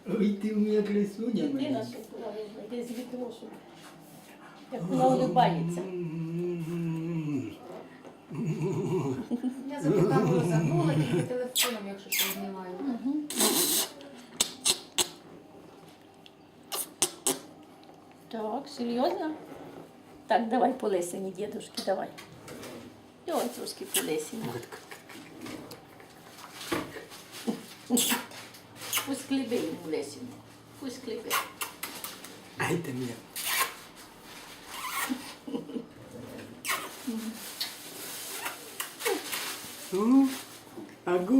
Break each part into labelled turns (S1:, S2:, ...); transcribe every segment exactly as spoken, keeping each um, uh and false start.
S1: Ой, ти у мене красуня.
S2: Ти нашу видно, йди з вікно, щоб як вона улибається.
S3: Я за ту камеру забула, тільки телефоном, якщо що знімаю.
S2: Так, серйозно? Так, давай по лисині, дідушки, давай. Давай трошки по лисині. Пусть кліпи йому лисину. Пусть кліпи.
S1: Ай, ти мене. Ну, агу.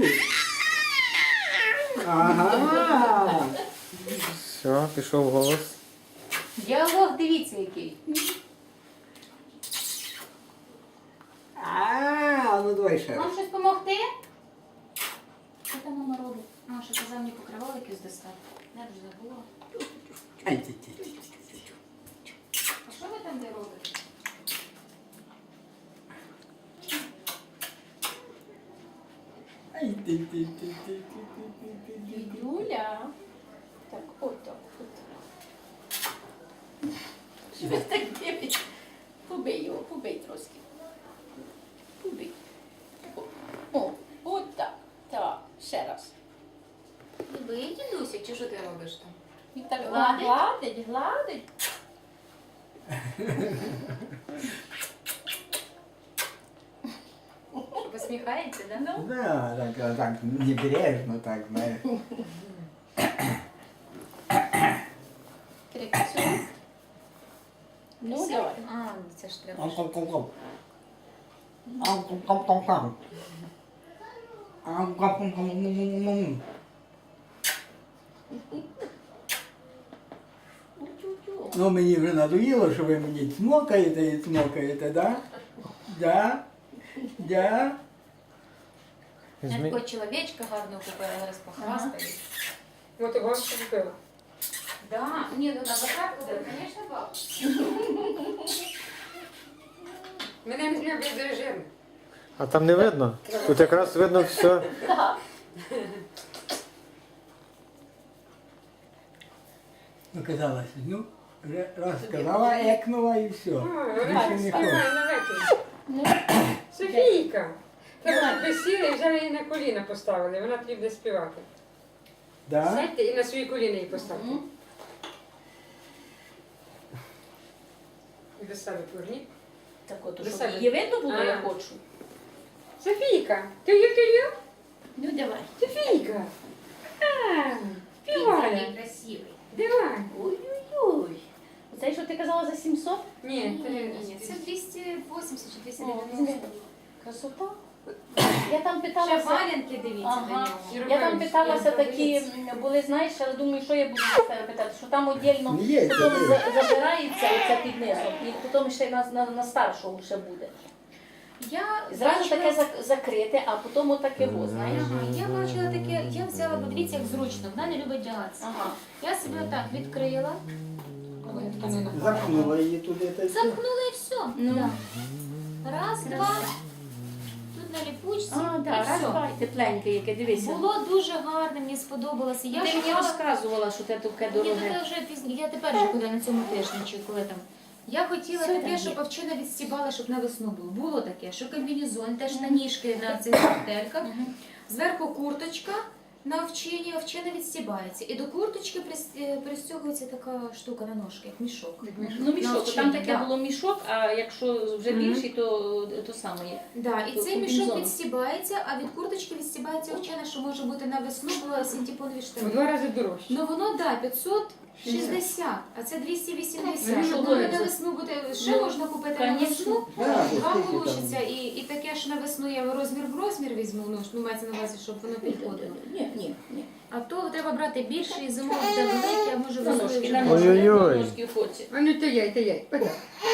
S1: Ага.
S4: Все, пішов голос.
S3: Діалог, дивіться який.
S1: А, ну давай ще раз.
S3: Вам щось допомогти? Що там мама робить? А, що казав мені покривало якесь достати. Я вже забула.
S1: Ай, ти, ти, ти, ти.
S3: А що ви там де робите?
S1: Ай, ти, ти, ти, ти, ти, ти, ти, ти.
S2: Юля. Так, от так, от. Що ви так дивитесь? Побий його, побий трошки. Побий. О, о, от так. Так, ще раз.
S3: Ви дідуся, чи що ти робиш там?
S2: І так
S3: Гладить?
S2: гладить, гладить.
S3: Посміхається, да?
S2: Ну,
S1: Да, так, так, небрежно так, знаєш.
S2: крикцю. Ну, давай.
S3: А, це ж треба.
S1: Ам-кам-кам-кам. Ам-кам-кам-кам-кам. Ам-кам-кам-кам-кам-кам.
S2: Утю-тю.
S1: Ну, мені вже надоїло, що ви мені цмокаєте і цмокаєте, да? Да? Да?
S3: Я
S4: Візьми.
S3: такого чоловічка гарного купила, зараз похвастаюсь.
S5: Вот его купила.
S3: Да, ні, ну на закат буде, звісно, баб.
S5: Мене не люблять режим.
S4: А там не видно? Тут якраз видно все.
S1: Ну, казалось, ну, вже раз сказала, екнула і все. Більше не хочу.
S2: Ну,
S5: Софійка! Треба присіли і взяли її на коліна поставили. Вона тобі буде співати.
S1: Да?
S5: Сядьте і на свої коліна її поставте.
S2: Мгм.
S5: І до себе поверніть.
S2: так от,
S5: До
S2: щоб
S5: себе.
S2: її видно було, я
S5: А.
S2: хочу.
S5: Софійка! Ти є, ти є?
S2: Ну, давай.
S5: Софійка! А,
S3: Він
S5: співає.
S3: красивий.
S5: Давай.
S2: Ой-ой-ой. Оце, що ти казала за сімсот?
S5: Ні,
S3: Ні,
S5: ти-
S3: ні, ні, це двісті вісімдесят чи двісті
S2: О,
S3: дев'яносто.
S2: красота. Я там
S3: Ще
S2: питалася.
S3: валянки дивіться
S2: Ага.
S3: до нього.
S2: Я там питалася
S5: Робили,
S2: такі, м, були, знаєш, але думаю, що я буду за себе питати, що там віддільно
S1: Ну, є,
S2: потім
S1: є.
S2: за- забирається оце під низом, і потім ще на, на, на старшого ще буде.
S3: Я
S2: Зразу
S3: бачила-
S2: таке зак- закрите, а потім отаке во, знаєш.
S3: Ага, я бачила таке, я взяла, подивіться, як зручно, вона не любить вдягатися.
S2: Ага.
S3: Я себе отак відкрила, ой, тканина.
S1: Запхнула її туди та й все.
S3: Замкнула і все.
S2: Ну.
S3: Да. Раз, два, тут на ліпучці,
S2: А,
S3: і
S2: так, раз,
S3: все.
S2: два, і тепленьке, яке, дивися.
S3: Було дуже гарно, мені сподобалося. Я
S2: Ти мені
S3: шукала-
S2: розказувала, що це таке
S3: Ні,
S2: дороге.
S3: таке вже пізні. Я тепер вже коли на цьому тижні, чи коли там. Я хотіла
S2: Все там
S3: таке,
S2: є.
S3: щоб овчина відстібала, щоб на весну було. Було таке, що комбінезон, теж на ніжки на цих гантельках. Зверху курточка на овчині, овчина відстібається. І до курточки прис- пристягується така штука на ножки, як мішок.
S2: Ну, мішок,
S3: Навчені,
S2: там таке
S3: да.
S2: було мішок, а якщо вже
S3: Мгм.
S2: більший, то, то саме є.
S3: Да, і
S2: До
S3: цей мішок
S2: комбінезону.
S3: відстібається, а від курточки відстібається овчина, що може бути на весну, бо синтепонові
S5: В
S3: штани.
S5: два рази дорожче.
S3: Ну воно, да, п'ятсот шістдесят, а це двісті вісімдесят.
S2: Ну,
S3: Щоб
S2: що
S3: коли
S2: ви
S3: на
S2: за-
S3: весну буде, ще
S2: Ну,
S3: можна купити на
S2: конечно.
S3: весну.
S1: Да,
S3: Два
S1: бо скільки там?
S3: получиться, і, і таке ж на весну я розмір в розмір візьму, ну, ну мається на увазі, щоб воно підходило.
S2: Ні, ні, ні.
S3: А то треба брати більше і замовити велике, а може
S2: На
S3: весною
S2: ножки,
S3: вже
S2: на
S3: можна.
S2: ножки, на
S4: Ой-ой-ой.
S2: ножки хоці.
S5: А ну то яй, то яй. Отак.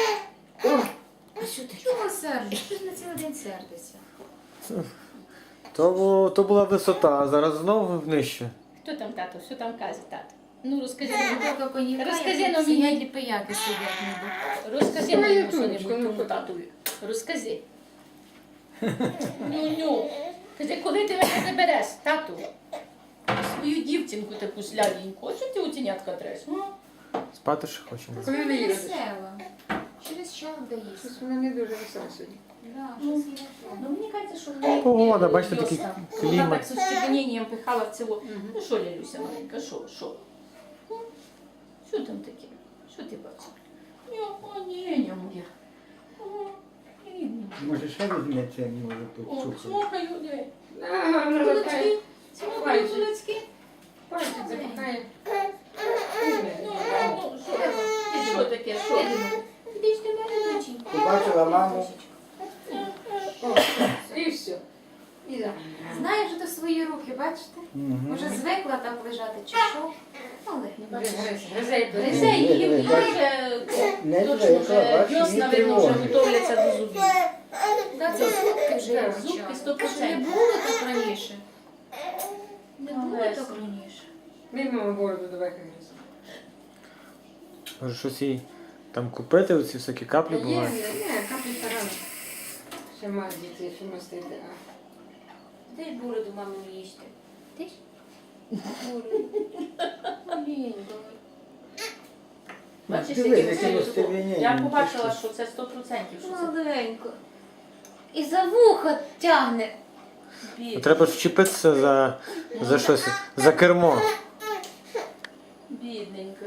S3: А що ти? Чого сердиш? Що ж на цілий день сердиться?
S4: То, бу- то була висота, а зараз знову нижче.
S2: Хто там тато? Що там каже тато? Ну, розкажи
S3: Бутилка коньяка,
S2: Розкажи
S3: як
S2: нам
S3: сидять
S2: мені.
S3: і пияки сидять ніби.
S2: Розкажи
S5: Ой,
S2: мені
S5: Ютунечко,
S2: що-небудь
S5: ну,
S2: тому
S5: хоч.
S2: татові. Розкажи. Ну, ну. Кажи, коли ти мене забереш, тату? свою дівчинку таку сляденьку. А чого ти утінятка треш? Ну,
S4: Спати ще хочемо.
S5: Коли не
S3: Вона
S5: їдеш?
S3: весела. Через час вдається.
S5: Щось вона не дуже весела сьогодні.
S3: Да, щось є.
S2: ну мені кажеться, що в неї
S4: Погода,
S2: е,
S4: бачите, такий
S2: весна.
S4: клімат.
S2: Вона так з остепенінням пихала в ціло. Ну що, Лялюся маленька, що, що? М? Що там таке? Що ти бачиш? Ні, о, ні, ні, моя. О, ні, ні.
S1: Може ще візьметься, може тут
S2: О,
S1: цукру.
S2: смокаю, диви.
S5: А, вона
S2: Кулачки,
S5: запхає.
S2: смокаю
S5: Пальчик.
S2: кулачки.
S5: Пальчик запихає.
S2: Ну, ну, що? І що таке, що?
S3: Іди ж до мене, доченька.
S1: Побачила маму.
S5: О, і все. І за.
S3: Знаєш, це свої руки, бачите?
S1: Мгм.
S3: Може звикла так лежати чи що? Але
S5: Гризе, гризе.
S2: Гризе її,
S1: Диви,
S2: їй
S1: бач.
S2: вже
S1: Не
S2: точно
S1: звикла,
S2: вже
S1: бач,
S2: дьосна,
S1: їй
S2: видно, вже
S1: тривожно.
S2: готовляться до зубів.
S3: да, це зубки вже
S5: Так,
S3: вивчали.
S2: зубки сто
S3: Що не
S2: процентів.
S3: було так раніше. Не було
S2: Але
S3: так
S2: ж.
S3: раніше.
S5: Мій мама бороду давай гризе.
S4: Може щось їй там купити, оці всякі каплі
S5: Є,
S4: бувають.
S5: є, є, каплі тарана. Ще має дітей, ще мастити.
S3: Дай бороду мамі їсти. Ти ж? Бороду. Маленька.
S2: Бачиш,
S1: Диви,
S2: які
S1: яке
S2: красиві
S1: розтягнення.
S2: зуби. Я побачила, що це сто процентів, що це
S3: Маленька. І за вуха тягне.
S2: бід-
S4: Треба ж вчепитися за, за щось, за кермо.
S2: бідненька.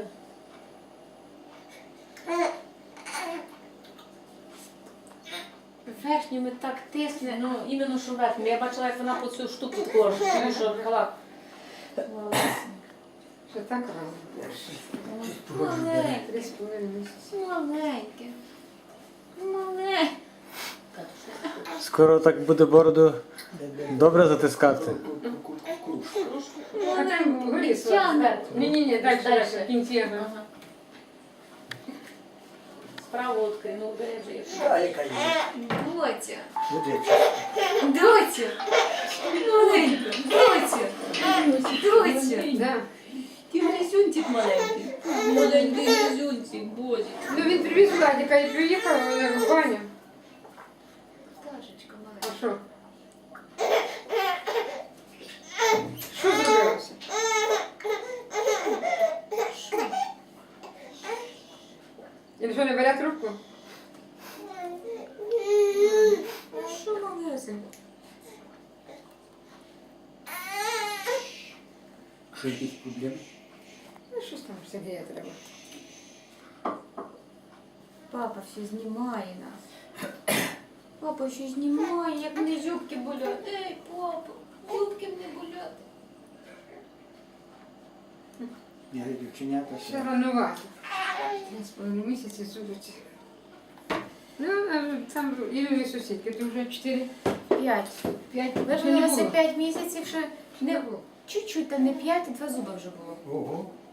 S3: Верхніми так тисне.
S2: Ну, іменно що верхньо. Я бачила, як вона по цю штуку кожу, тому що халат.
S5: Що так рано?
S3: Маленьке.
S5: Три з половиною місяці.
S3: Маленьке. Маленьке.
S4: Скоро так буде бороду добре затискати.
S5: А там горі
S3: Тягне.
S5: Ні-ні-ні, далі,
S2: Дальше.
S5: далі, в кінці. ага.
S2: Ага. Справа відкрий, ну бережи.
S1: Да, яка є.
S3: Доця.
S1: Буде.
S3: Доця. Маленька. Доця. Доця.
S5: Да.
S2: Ти грязюнчик маленький. Маленький грязюнчик, боже.
S5: Ну він привіз Владика і приїхав, вона в баню.
S3: Пташечка
S5: А
S3: маленька.
S5: що? Що зробилося? І що, не бере трубку?
S3: Що малесенька?
S1: Що якісь проблеми?
S5: Ну, щось там Сергія треба.
S3: Папа все знімає нас. Папа ще знімає, як мене зубки болять. Ей, папа, зубки мене болять.
S1: Я дівченята
S5: Ще
S1: ще.
S5: ранувати. Три з половиною місяці судиться. Ну, а там Ірини сусідки, то вже чотири,
S3: П'ять.
S5: п'ять, ще не
S3: Вижилося
S5: було.
S3: п'ять місяців, ще
S5: Не
S3: не
S5: було.
S3: чуть-чуть, та не п'ять, два зуби вже було.
S1: Ого.